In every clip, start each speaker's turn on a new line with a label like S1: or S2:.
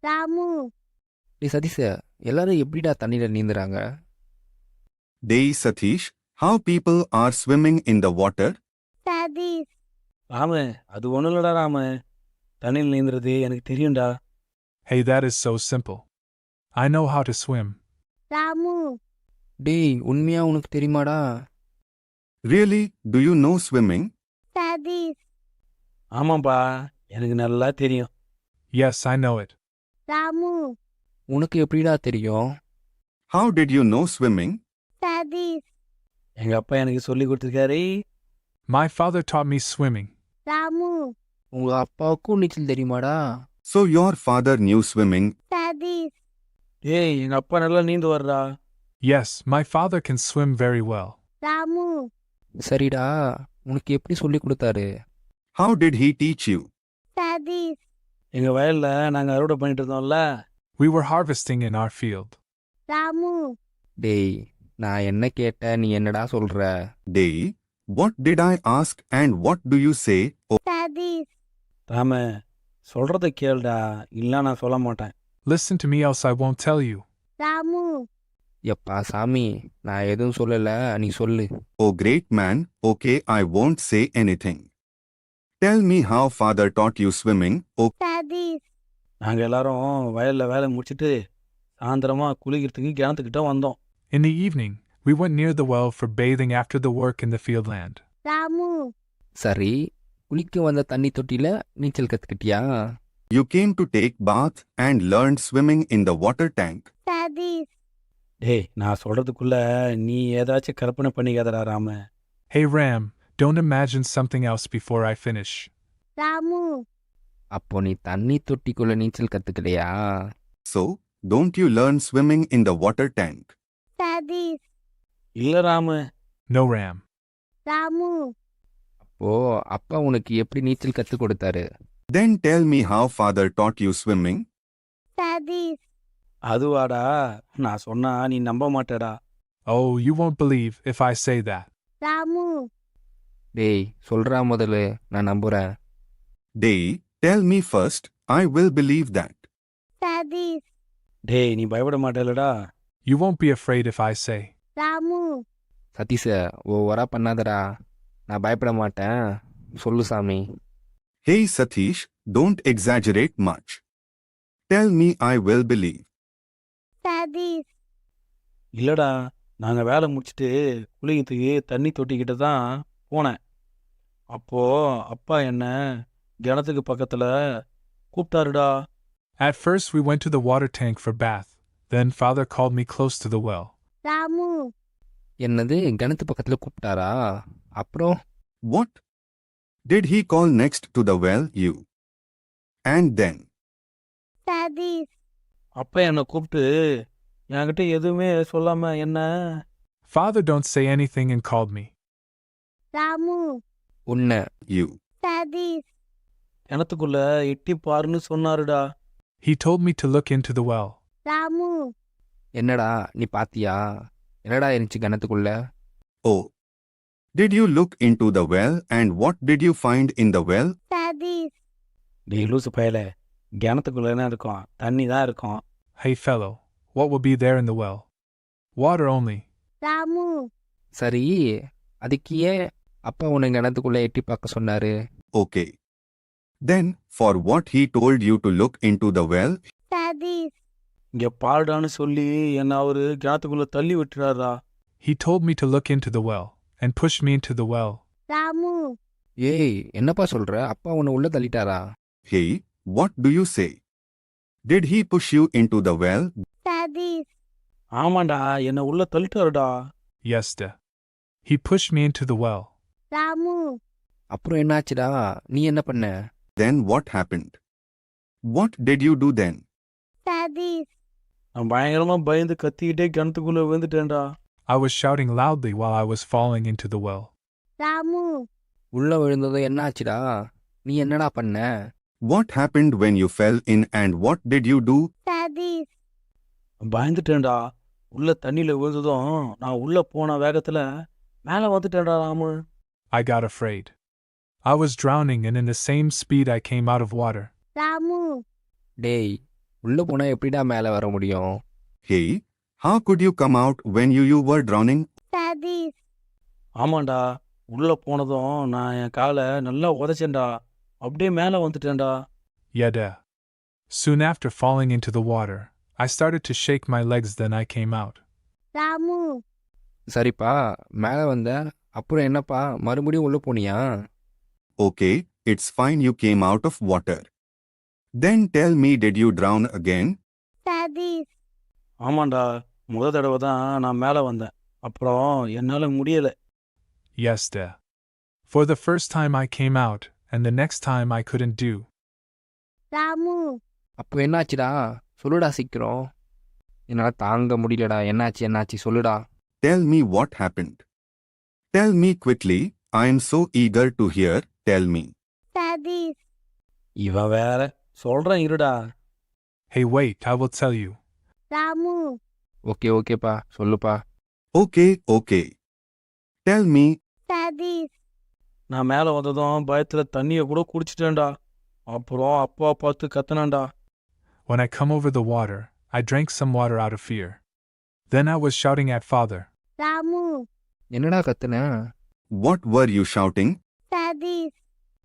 S1: ராமு.
S2: டேய் சதீஷ், எல்லாரும் எப்படிடா தண்ணியில நீந்துறாங்க?
S3: Dey Satish, how people are swimming in the water?
S1: Satish.
S4: Ramu, அது ஒன்றும் இல்லடா ராமு. தண்ணியில் நீந்துறது எனக்கு தெரியும்டா.
S5: Hey, that is so simple. I know how to swim.
S1: Ramu.
S2: டேய் உண்மையா உனக்கு தெரியுமாடா?
S3: Really, do you know swimming?
S1: Satish.
S4: ஆமாப்பா, எனக்கு நல்லா தெரியும்.
S5: Yes, I know it.
S1: Ramu.
S2: உனக்கு எப்படிடா தெரியும்?
S3: How did you know swimming?
S1: Satish.
S4: எங்கள் அப்பா எனக்கு சொல்லி கொடுத்துருக்காரு.
S5: My father taught me swimming.
S1: Ramu.
S2: உங்க அப்பாவுக்கும் நீச்சல் தெரியுமாடா?
S3: So your father knew swimming.
S1: Satish.
S4: ஏய், எங்கள் அப்பா நல்லா நீந்து வர்றா.
S5: Yes, my father can swim very well.
S1: Ramu.
S2: சரிடா, உனக்கு எப்படி சொல்லி கொடுத்தாரு?
S3: How did he teach you?
S1: Satish.
S4: எங்கள் வயலில் நாங்கள் அறுவடை பண்ணிட்டு இருந்தோம்ல.
S5: We were harvesting in our field.
S1: Ramu.
S2: டேய் நான் என்ன கேட்டேன், நீ என்னடா சொல்ற?
S3: Dey, what did I ask and what do you say? Oh,
S1: Satish.
S4: Ramu, சொல்கிறத கேளுடா, இல்லை நான் சொல்ல மாட்டேன்.
S5: Listen to me, else I won't tell you.
S1: Ramu.
S2: எப்பா சாமி, நான் எதுவும் சொல்லல, நீ சொல்லு.
S3: oh great man, okay, I won't say anything. Tell me how father taught you swimming. Oh,
S1: Satish.
S4: நாங்கள் எல்லாரும் வயலில் வேலை முடிச்சிட்டு சாயந்தரமாக குளிக்கிறதுக்கு கிணத்துக்கிட்ட வந்தோம்.
S5: In the evening, we went near the well for bathing after the work in the field land.
S1: Ramu.
S2: சரி, குளிக்க வந்த தண்ணி தொட்டியில நீச்சல் கத்துக்கிட்டியா?
S3: you came to take bath and learned swimming in the water tank.
S1: Satish.
S4: டேய், நான் சொல்கிறதுக்குள்ள நீ ஏதாச்சும் கற்பனை பண்ணிக்காதடா Ramu.
S5: Hey Ram, don't imagine something else before I finish.
S1: Ramu.
S2: அப்போ நீ தண்ணி தொட்டிக்குள்ள நீச்சல் கத்துக்கலையா?
S3: So, don't you learn swimming in the water tank?
S1: Satish.
S4: இல்லை ராமு.
S5: No, Ram.
S1: ராமு.
S2: அப்போ அப்பா உனக்கு எப்படி நீச்சல் கத்து கொடுத்தாரு?
S3: Then tell me how father taught you swimming.
S1: Satish.
S4: அதுவாடா, நான் சொன்னா நீ நம்ப மாட்டேடா.
S5: Oh, you won't believe if I say that.
S1: Ramu.
S2: டேய் சொல்றா முதல்ல, நான் நம்புறேன்.
S3: Dey, tell me first, I will believe that.
S1: Satish.
S4: டேய், நீ பயப்பட மாட்டேலடா.
S5: You won't be afraid if I say.
S1: Ramu.
S2: சதீஷ ஓவரா பண்ணாதடா, நான் பயப்பட மாட்டேன், சொல்லு சாமி.
S3: Hey Satish, don't exaggerate much. Tell me I will believe.
S1: Satish.
S4: இல்லடா, நாங்கள் வேலை முடிச்சிட்டு குளிக்கிறதுக்கு தண்ணி தொட்டிக்கிட்ட தான் போனேன். அப்போ அப்பா என்ன கிணத்துக்கு பக்கத்தில் கூப்பிட்டாருடா.
S5: At first, we went to the water tank for bath. Then father called me close to the well.
S1: Ramu.
S2: என்னது கிணத்து பக்கத்துல கூப்பிட்டாரா? அப்புறம்?
S3: What? Did he call next to the well you? And then?
S1: Satish.
S4: அப்பா என்னை கூப்பிட்டு என்கிட்ட எதுவுமே சொல்லாம என்ன.
S5: Father don't say anything and called me.
S1: Ramu.
S2: உன்னை?
S3: You.
S1: சதீஷ்.
S4: கிணத்துக்குள்ள எட்டி பாருன்னு சொன்னாருடா.
S5: He told me to look into the well.
S1: Ramu.
S2: என்னடா நீ பாத்தியா? என்னடா இருந்துச்சு கிணத்துக்குள்ள?
S3: Oh. Did you look into the well and what did you find in the well?
S1: Satish.
S4: டேய் லூசு பயல, கிணத்துக்குள்ள என்ன இருக்கும்? தண்ணி தான் இருக்கும்.
S5: Hey fellow, what will be there in the well? Water only.
S1: Ramu.
S2: சரி, அதுக்கு ஏன் அப்பா உன்னை கிணத்துக்குள்ள எட்டி பார்க்க சொன்னாரு?
S3: Okay. Then, for what he told you to look into the well?
S1: Satish.
S4: இங்கே பாருடான்னு சொல்லி என்னை அவரு கிணத்துக்குள்ள தள்ளி விட்டுறாரா.
S5: He told me to look into the well and pushed me into the well.
S1: Ramu.
S2: ஏய் என்னப்பா சொல்ற? அப்பா உன்னை உள்ள தள்ளிட்டாரா?
S3: Hey, what do you say? Did he push you into the well?
S1: Satish.
S4: ஆமாண்டா, என்னை உள்ள தள்ளிட்டாருடா.
S5: Yes, da. He pushed me into the well.
S1: Ramu.
S2: அப்புறம் என்னாச்சுடா? நீ என்ன பண்ண?
S3: Then what happened? What did you do then?
S1: Satish.
S4: நான் பயங்கரமா பயந்து கத்திக்கிட்டே கிணத்துக்குள்ள விழுந்துட்டேன்டா.
S5: I was shouting loudly while I was falling into the well.
S1: Ramu.
S2: உள்ள விழுந்ததும் என்னாச்சுடா? நீ என்னடா பண்ண?
S3: What happened when you fell in and what did you do?
S1: Satish.
S4: பயந்துட்டேன்டா. உள்ள தண்ணியில விழுந்ததும் நான் உள்ள போன வேகத்துல மேலே வந்துட்டேன்டா Ramu.
S5: I got afraid. I was drowning and in the same speed I came out of water.
S1: Ramu.
S2: டேய் உள்ளே போனால் எப்படிடா மேலே வர முடியும்?
S3: Hey, how could you come out when you were drowning?
S1: Satish
S4: ஆமாண்டா, உள்ள போனதும் நான் என் காலை நல்லா உதைச்சேன்டா. அப்படியே மேலே வந்துட்டேன்டா.
S5: Yada. Soon after falling into the water, I started to shake my legs, then I came out.
S1: Ramu
S2: சரிப்பா, மேலே வந்த அப்புறம் என்னப்பா மறுபடியும் உள்ளே போனியா?
S3: Okay, it's fine you came out of water. Then tell me, did you drown again?
S1: Satish
S4: ஆமாண்டா, தடவை தான் நான் மேலே வந்தேன். அப்புறம் என்னால் முடியலை.
S5: Yes, da. For the first time I came out, and the next time I couldn't do.
S1: Ramu
S2: அப்போ என்னாச்சுடா? சொல்லுடா சீக்கிரம். என்னால் தாங்க முடியலடா. என்னாச்சு சொல்லுடா.
S3: Tell me what happened. Tell me quickly, I am so eager to hear, tell me.
S1: Satish
S4: இவன் வேற சொல்கிறேன் இருடா.
S5: Hey, wait, I will tell you.
S1: Ramu
S2: ஓகேப்பா சொல்லுப்பா.
S3: Okay. Tell me,
S1: சதீஷ்
S4: நான் மேலே வந்ததும் பயத்தில் தண்ணியை கூட குடிச்சிட்டேன்டா. அப்புறம் அப்பா பார்த்து கத்துனான்டா.
S5: When I come over the water, I drank some water out of fear. Then I was shouting at Father.
S1: Ramu
S2: என்னடா கத்துன?
S3: what were you shouting?
S1: Satish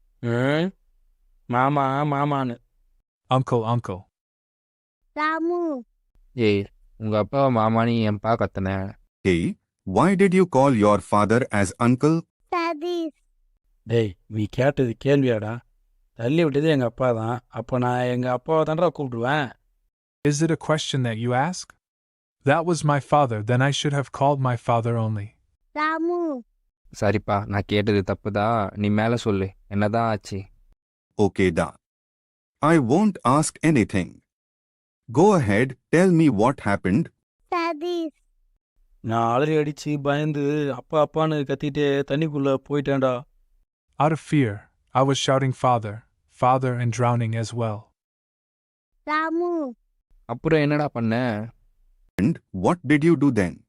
S4: மாமான்னு.
S5: Uncle.
S1: ராமு
S2: ஏய், உங்கள் அப்பா மாமானி என்ப்பா கத்துன.
S3: Hey, why did you call your father as uncle?
S1: Satish
S4: டேய், நீ கேட்டது கேள்வியாடா? தள்ளி விட்டது எங்கள் அப்பா தான். அப்போ நான் எங்கள் அப்பாவை தான்டா கூப்பிடுவேன்.
S5: Is it a question that you ask? That was my father, then I should have called my father only.
S1: Ramu
S2: சரிப்பா, நான் கேட்டது தப்புதான். நீ மேலே சொல்லு, என்னதான் ஆச்சு?
S3: Okay da. I won't ask anything. Go ahead, tell me what happened.
S1: Satish
S4: நான் அலறி அடித்து பயந்து அப்பான்னு கத்திட்டு தண்ணிக்குள்ளே போயிட்டேன்டா.
S5: Out of fear, I was shouting Father, and drowning as well.
S1: Ramu
S2: அப்புறம் என்னடா பண்ண?
S3: And what did you do then?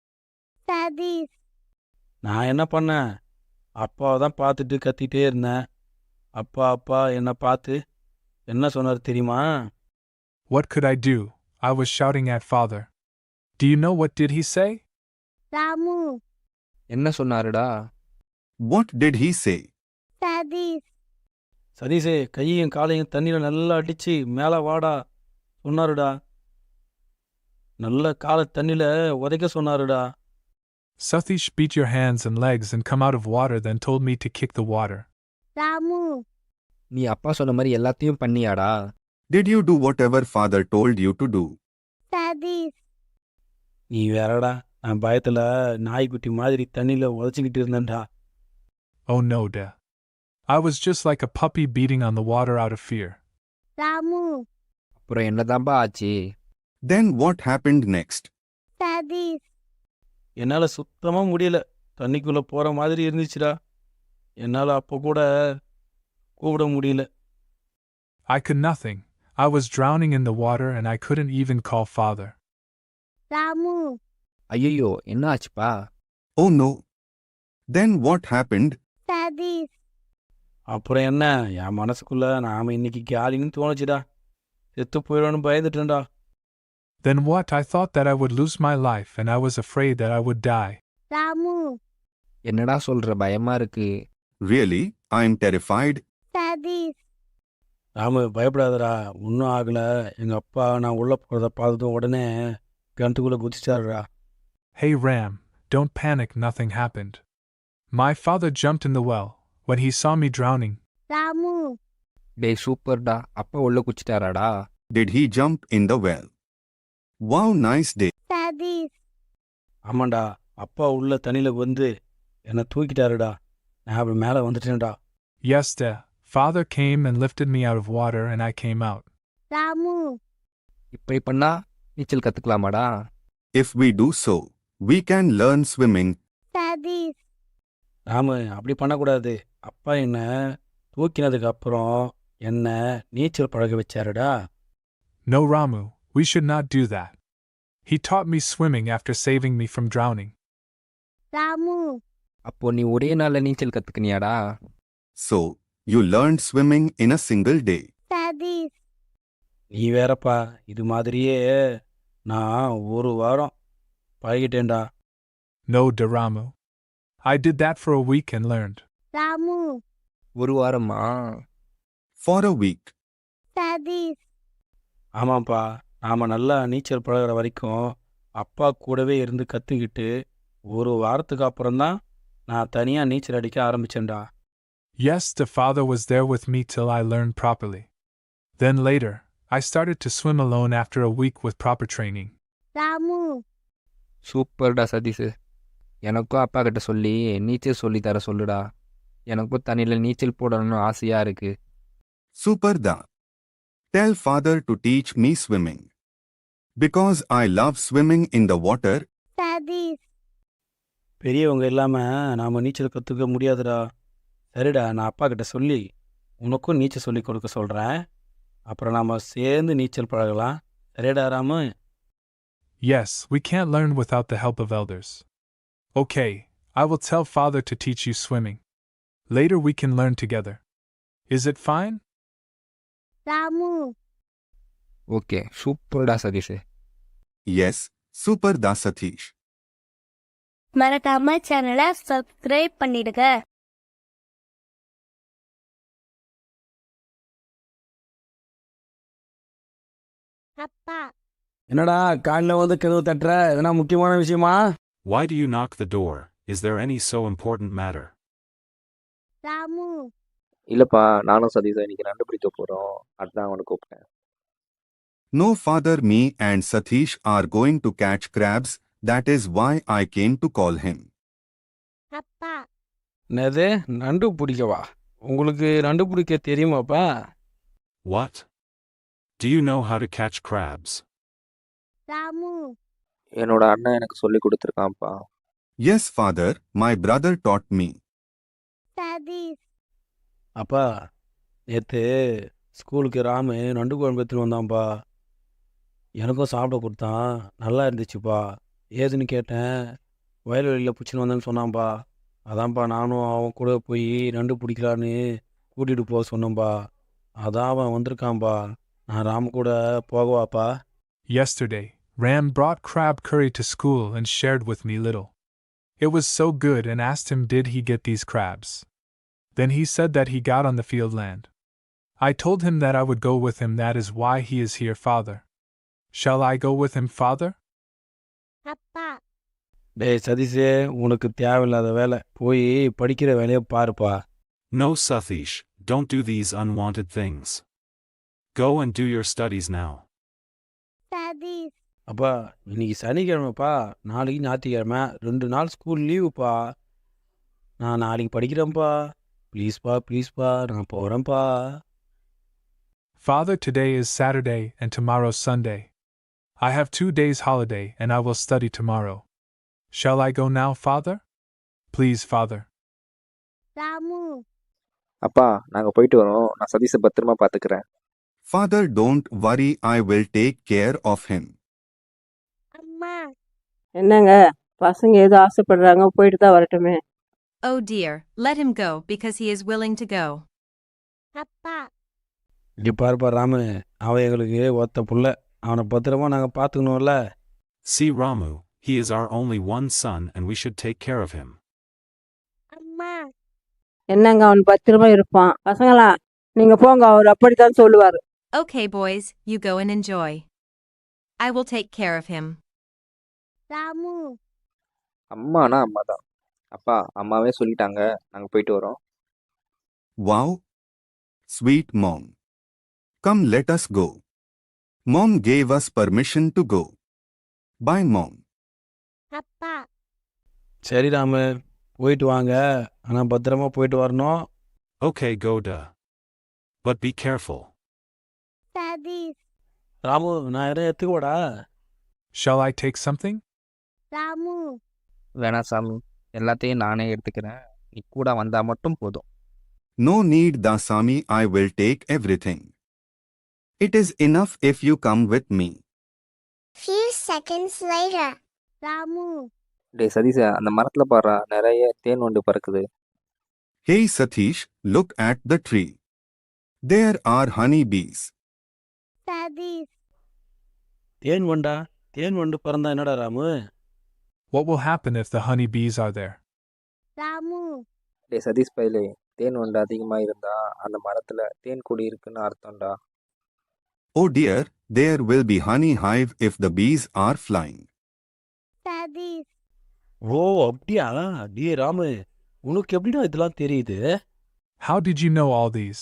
S1: Satish
S4: நான் என்ன பண்ணேன்? அப்பாவை தான் பார்த்துட்டு கத்திட்டே இருந்தேன். அப்பா என்னை பார்த்து என்ன சொன்னார் தெரியுமா?
S5: What could I do? I was shouting at Father. Do you know what did he say?
S1: Ramu
S2: என்ன சொன்னாருடா?
S3: What did he say?
S1: Satish
S4: சதீஷே, கையையும் காலையும் தண்ணியில் நல்லா அடித்து மேலே வாடா சொன்னாருடா. நல்ல காலை தண்ணியில் உதைக்க சொன்னாருடா.
S5: Satish beat your hands and legs and come out of water, then told me to kick the water.
S1: Ramu
S2: நீ அப்பா சொன்ன மாதிரி எல்லாத்தையும் பண்ணியாடா?
S3: Did you do whatever father told you to do?
S1: Satish
S4: நீ வேறடா, நான் பயத்தில் நாய்க்குட்டி மாதிரி தண்ணியில் உதச்சிக்கிட்டு இருந்தேன்டா.
S5: Oh no, da. I was just like a puppy beating on the water out of fear.
S1: Ramu
S2: அப்புறம் என்னதான்பா ஆச்சு?
S3: Then what happened next?
S1: Satish
S4: என்னால் சுத்தமாக முடியல. தண்ணிக்குள்ளே போகிற மாதிரி இருந்துச்சுடா. என்னால் அப்போ கூட கூப்பிட முடியல.
S5: I could nothing. I was drowning in the water and I couldn't even call Father.
S1: Ramu
S2: ஐயோ, என்ன ஆச்சுப்பா?
S3: Oh no. Then what happened?
S1: Satish
S4: அப்புறம் என்ன, என் மனசுக்குள்ளே நாம் இன்னைக்கு காலின்னு தோணுச்சுடா. செத்து போயிடும்னு பயந்துட்டேன்டா.
S5: Then what? I thought that I would lose my life and I was afraid that I would die.
S1: Ramu
S2: என்னடா சொல்ற? பயமா இருக்கு.
S3: Really, I am terrified.
S1: Satish
S4: Ramu, பயப்படாதடா, ஒன்றும் ஆகலை. எங்கள் அப்பா நான் உள்ளே போகிறத பார்த்ததும் உடனே கிணத்துக்குள்ளே குதிச்சாருடா.
S5: Hey Ram, don't panic, nothing happened. My father jumped in the well when he saw me drowning.
S1: Ramu
S2: டேய் சூப்பர்டா, அப்பா உள்ள குச்சிட்டாராடா?
S3: Did he jump in the well? Wow, nice day.
S1: Satish
S4: ஆமாண்டா, அப்பா உள்ள தண்ணியில் வந்து என்னை தூக்கிட்டாருடா. நான் அப்படி மேலே வந்துட்டேன்டா.
S5: Yes, da. Father came and lifted me out of water and I came out.
S1: Ramu
S2: இப்படி பண்ணா நீச்சல் கத்துக்கலாமாடா?
S3: If we do so, we can learn swimming.
S1: Satish
S4: Ramu, அப்படி பண்ணக்கூடாது. அப்பா என்னை தூக்கினதுக்கு அப்புறம் என்னை நீச்சல் பழக வச்சாருடா.
S5: No, Ramu, we should not do that. He taught me swimming after saving me from drowning.
S1: Ramu
S2: அப்போ நீ ஒரே நாள்ல நீச்சல் கத்துக்கினியாடா?
S3: So, you learned swimming in a single day.
S1: Satish
S4: நீ வேறப்பா, இது மாதிரியே நான் ஒரு வாரம் பழகிட்டேன்டா.
S5: No, Ramu. I did that for a week and learned.
S1: Ramu
S2: ஒரு வாரமா?
S3: For a week.
S1: சதீஷ்
S4: ஆமாப்பா, நாம நல்லா நீச்சல் பழகுற வரைக்கும் அப்பா கூடவே இருந்து கற்றுக்கிட்டு ஒரு வாரத்துக்கு அப்புறம்தான் நான் தனியாக நீச்சல் அடிக்க ஆரம்பிச்சேன்டா.
S5: Yes, the father was there with me till I learned properly. Then later, I started to swim alone after a week with proper training.
S1: Ramu
S2: சூப்பர்டா சதீஷ். எனக்கும் அப்பா கிட்ட சொல்லி நீச்சல் சொல்லி தர சொல்லுடா. எனக்கும் தண்ணியில் நீச்சல் போடணும்னு ஆசையாக இருக்கு.
S3: Super da. Tell father to teach me swimming. Because I love swimming in the water.
S1: Satish
S4: பெரியவங்க இல்லாமல் நாம் நீச்சல் கற்றுக்க முடியாதுடா. சரிடா, நான் அப்பா கிட்ட சொல்லி உனக்கும் நீச்சல் சொல்லி கொடுக்க சொல்கிறேன். அப்புறம் நாம் சேர்ந்து நீச்சல் பழகலாம். சரிடா Ramu?
S5: Yes, we can't learn without the help of elders. Okay, I will tell father to teach you swimming. Later we can learn together. Is it fine?
S1: Ramu
S2: okay, சூப்பர்டா Satish.
S3: Yes, super da Satish.
S1: மறக்காம சேனலை subscribe பண்ணிடுங்க. அப்பா
S4: என்னடா காலையில் வந்து கதவு தட்டுற? எதனா முக்கியமான விஷயமா?
S6: Why do you knock the door? Is there any so important matter?
S1: Ramu
S2: இல்லைப்பா, நானும் சதீஷும் இன்னைக்கு நண்டு பிடிக்க போகிறோம். அதுதான் அவனை கூப்பிட்டேன்.
S3: No, father, me and Satish are going to catch crabs. That is why I came to call him.
S1: அப்பா
S4: என்னது, நண்டு பிடிக்கவா? உங்களுக்கு நண்டு பிடிக்க தெரியுமாப்பா?
S6: What? Do you know how to catch crabs?
S1: Ramu
S2: என்னோட அண்ணன் எனக்கு சொல்லி கொடுத்துருக்கான்ப்பா.
S3: Yes, father, my brother taught me.
S1: Satish
S4: அப்பா, நேற்று ஸ்கூலுக்கு ராமு நண்டு குழம்பு எடுத்துன்னு வந்தான்ப்பா. எனக்கும் சாப்பிட கொடுத்தான். நல்லா இருந்துச்சுப்பா. ஏதுன்னு கேட்டேன். வயல்வெளியில் பிடிச்சின்னு வந்தேன்னு சொன்னான்ப்பா. அதான்ப்பா நானும் அவன் கூட போய் நண்டு பிடிக்கலான்னு கூட்டிகிட்டு போக சொன்னேன்ப்பா. அதான் அவன் வந்திருக்கான்ப்பா. நான் ராமு கூட போகவாப்பா?
S5: Yesterday, Ram brought crab curry to school and shared with me little. It was so good and asked him did he get these crabs. Then he said that he got on the field land. I told him that I would go with him, that is why he is here, father. Shall I go with him, father?
S1: அப்பா
S4: டேய் சதீஷே, உனக்கு தேவையில்லாத வேலை. போய் படிக்கிற வேலையை பாருப்பா.
S6: No, Satish, don't do these unwanted things. Go and do your studies now.
S1: Satish
S4: அப்பா, இன்னைக்கு சனிக்கிழமைப்பா, நாளைக்கு ஞாயிற்றுக்கிழமை, 2 நாள் ஸ்கூல் லீவுப்பா. நான் நாளைக்கு படிக்கிறேன்ப்பா. ப்ளீஸ்ப்பா, நான் போகிறேன்ப்பா.
S5: Father, today is Saturday and tomorrow's Sunday. I have 2 days holiday and I will study tomorrow. Shall I go now, father? Please, father.
S1: Ramu
S2: அப்பா, நாங்கள் போயிட்டு வரோம். நான் சதீஷை பத்திரமா பார்த்துக்கிறேன்.
S3: Father, don't worry, I will take care of him.
S1: அம்மா
S7: என்னங்க பசங்க ஏதோ ஆசைப்படுறாங்க, போயிட்டு தான் வரட்டுமே.
S8: Oh dear, let him go because he is willing to go.
S1: அப்பா
S4: இங்கே பாருப்பா ராமு, அவன் எங்களுக்கு ஒத்த புள்ள. அவனை பத்திரமா நாங்கள் பார்த்துக்கணும்ல.
S6: See Ramu, he is our only one son and we should take care of him.
S1: அம்மா
S7: என்னங்க அவன் பத்திரமா இருப்பான். பசங்களா நீங்க போங்க, அவர் அப்படித்தான் சொல்லுவாரு.
S8: Okay, boys, you go and enjoy. I will take care of him.
S1: Ramu
S2: அம்மானா அம்மா தான். அப்பா, அம்மாவே சொல்லிட்டாங்க. நாங்கள் போயிட்டு வரோம்.
S3: Wow! Sweet mom. Come, let us go. Mom gave us permission to go. Bye, mom.
S1: அப்பா
S4: சரி ராமு, போயிட்டு வாங்க. ஆனால் பத்திரமா போயிட்டு வரணும்.
S6: Okay, go da. But be careful.
S1: Satish
S4: Ramu, நான் எதாவது எடுத்துக்கோடா.
S5: Shall I take something?
S1: Ramu
S2: வேணாம் சாமி, எல்லாத்தையும் நானே எடுத்துக்கிறேன். நீ கூட வந்தால் மட்டும் போதும்.
S3: No need, Dasami, I will take everything. It is enough if you come with me.
S1: few seconds later Ramu
S2: டேய் சதீஷ, அந்த மரத்தில் பாடுறா, நிறைய தேன் வண்டு பறக்குது.
S3: Hey Satish, look at the tree. There are honey bees.
S1: Satish
S4: தேன் வண்டா? தேன் வண்டு பிறந்தா என்னடா Ramu?
S5: What will happen if the honey bees are there?
S1: Ramu
S2: டே சதீஷ் பையலே, தேன் வண்டு அதிகமாக இருந்தா அந்த மரத்தில் தேன் கொடி இருக்குன்னு அர்த்தம்டா.
S3: Oh dear, there will be honey hive if the bees are flying.
S1: Satish
S4: ஓ அப்படியா? டே ராமு, உனக்கு எப்படிடா இதெல்லாம் தெரியுது?
S5: How did you know all these?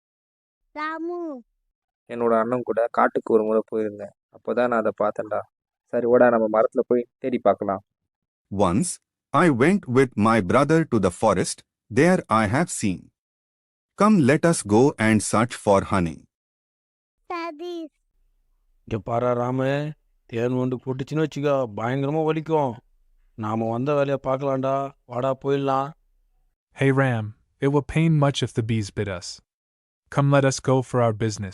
S1: Ramu
S2: என்னோட அண்ணன் கூட காட்டுக்கு ஒரு முறை போயிருந்தேன். அப்போ தான் நான் அதை பார்த்தேன்டா. சரி ஓடா, நம்ம மரத்தில் போய் தேடி பார்க்கலாம்.
S3: Once, I went with my brother to the forest, there I have seen. Come let us go and search for honey.
S1: Satish
S4: இங்க பாரா ராமு, தேன் வண்டு போட்டுச்சுன்னு வச்சுக்கோ, பயங்கரமா வலிக்கும். நாம வந்த வேலையை பார்க்கலாம்டா, வாடா போயிடலாம்.
S5: Hey Ram, it will pain much if the bees bit us. Come let us go for our business.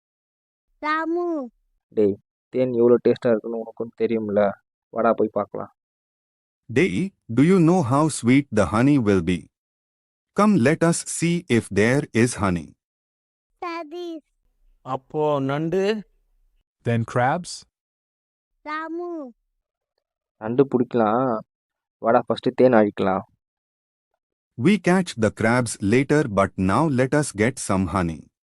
S1: Ramu
S2: டேய், தேன் எவ்வளோ டேஸ்ட்டாக இருக்குன்னு உனக்கும் தெரியும்ல, வாடா போய் பார்க்கலாம்.
S3: Day, do you know how sweet the honey will be? Come let us see if there is honey.
S1: Satish
S4: அப்போ நண்டு?
S5: Then crabs?
S1: ராமு
S2: நண்டு பிடிக்கலாம், வாடா ஃபஸ்ட்டு தேன் அழிக்கலாம்.
S3: We catch the crabs later but now let us get some honey.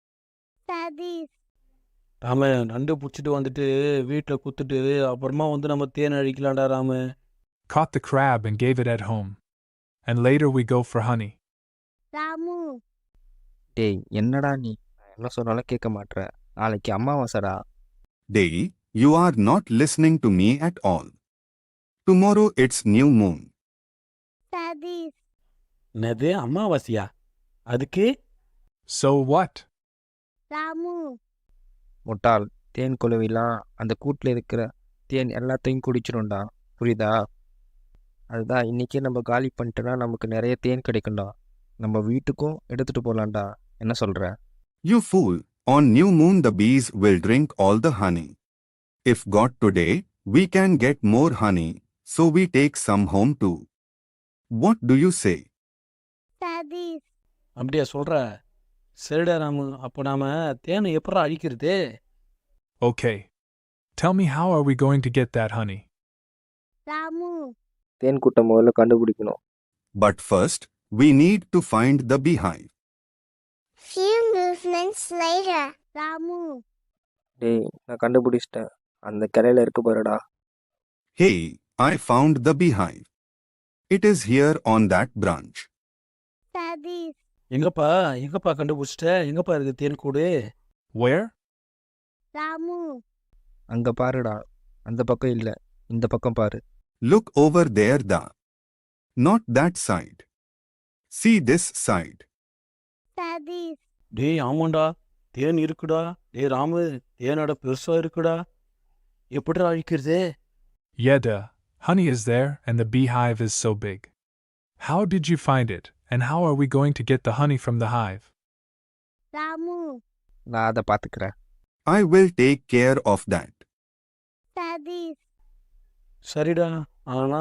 S1: Satish
S4: Ramu, நண்டு பிடிச்சிட்டு வந்துட்டு வீட்டில் குத்துட்டு அப்புறமா வந்து நம்ம தேன் அழிக்கலாம்டா Ramu.
S5: Caught the crab and gave it at home. And later we go for honey.
S1: Ramu
S2: டேய் என்னடா நீ, நான் என்ன சொன்னாலும் கேட்க மாட்ற. நாளைக்கு அமாவாசைடா.
S3: Day, you are not listening to me at all. Tomorrow it's new moon.
S1: Satish
S4: என்னது அமாவாசையா? அதுக்கு?
S5: So what?
S1: ராமு
S2: முட்டாள், தேன் குளவிலாம் அந்த கூட்டில் இருக்கிற தேன் எல்லாத்தையும் குடிச்சிடும்டா, புரியுதா? அதுதான் இன்றைக்கே நம்ம காலி பண்ணிட்டோன்னா நமக்கு நிறைய தேன் கிடைக்கும்டா. நம்ம வீட்டுக்கும் எடுத்துகிட்டு போகலான்டா. என்ன சொல்கிற?
S3: You fool, on new moon the bees will drink all the honey. If got today, we can get more honey, so we take some home too. What do you say?
S1: Satish
S4: அப்படியா சொல்ற? சரிடா ராமு, அப்போ நாம தேனை எப்படா அழிக்கிறது?
S5: Okay. Tell me, how are we going to get that honey?
S1: Ramu
S2: தேன் கூட்டம் முதல்ல கண்டுபிடிக்கணும்.
S3: But first, we need to find the beehive.
S1: few movements later Ramu
S2: டேய், நான் கண்டுபிடிச்சிட்டேன். அந்த கிளையில இருக்கு பாருடா.
S3: Hey, I found the beehive. It is here on that branch.
S1: Satish
S4: எங்கப்பா கண்டுபிடிச்சிட்ட? எங்கப்பா இருக்கு தேன் கூடு?
S5: Where?
S1: ராமு
S2: அங்கே பாருடா. அந்த பக்கம் இல்லை, இந்த பக்கம் பாரு.
S3: Look over there, not that side. See this side.
S1: Satish
S4: டேய் ஆமாண்டா, தேன் இருக்குடா. டேய் ராமு, தேனோட பெருசா இருக்குடா. எப்படிடா அழிக்கிறது?
S5: Yeah, duh. Honey is there and the beehive is so big. How did you find it, and how are we going to get the honey from the hive?
S1: Ramu
S2: நான் அதை பார்த்துக்கிறேன்.
S3: I will take care of that.
S1: Satish
S4: சரிடா, ஆனா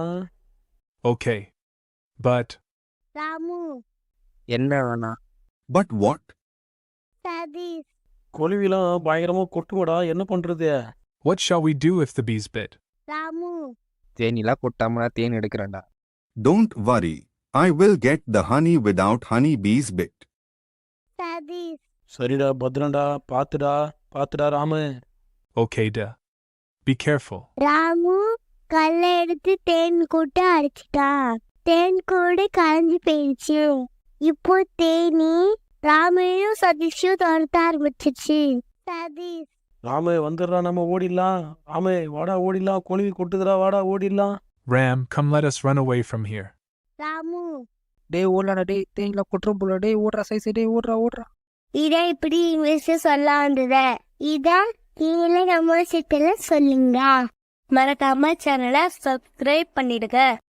S5: Okay. But,
S1: Ramu
S2: என்ன வேணா?
S3: But what?
S1: Satish
S4: கொலுவிலாம் பயங்கரமா கொட்டுவடா, என்ன பண்றது?
S5: what shall we do if the bees bit?
S1: Ramu
S2: தேனிலாம் கொட்டாம நான் தேன் எடுக்கிறேன்டா.
S3: Don't worry. I will get the honey without honey bees bit.
S1: Satish
S4: சரிடா, பத்திரம்டா, பாத்துடா Ramu.
S5: Okay, duh. Be careful.
S1: Ramu கல்லை எடுத்து தேன் கூட்டு அடிச்சிட்டா. தேன் கூடு கலைஞ்சு போயிடுச்சு. இப்போ தேனி ராமையும் சதீஷையும் துரத்த ஆரம்பிச்சிருச்சு. சதீஷ்
S4: ராமு வந்துடுறா, நம்ம ஓடிடலாம். ராமு வாடா ஓடிடலாம், கொலுவி கொட்டுதுடா, வாடா ஓடிடலாம்.
S5: Ram, come let us run away from here.
S1: Ramu
S2: டேய் ஓடலாடா, டேய் தேனிலாம் கொட்டுறோம் போல. டேய் ஓடுறா சைஸு, டேய் ஓடுறா.
S1: இதை இப்படி இங்கிலீஷ் சொல்ல வந்தது. இதான் நீங்களே நம்ம சிட்டில சொல்லுங்க. மறக்காம சேனலை சப்ஸ்கிரைப் பண்ணிடுங்க.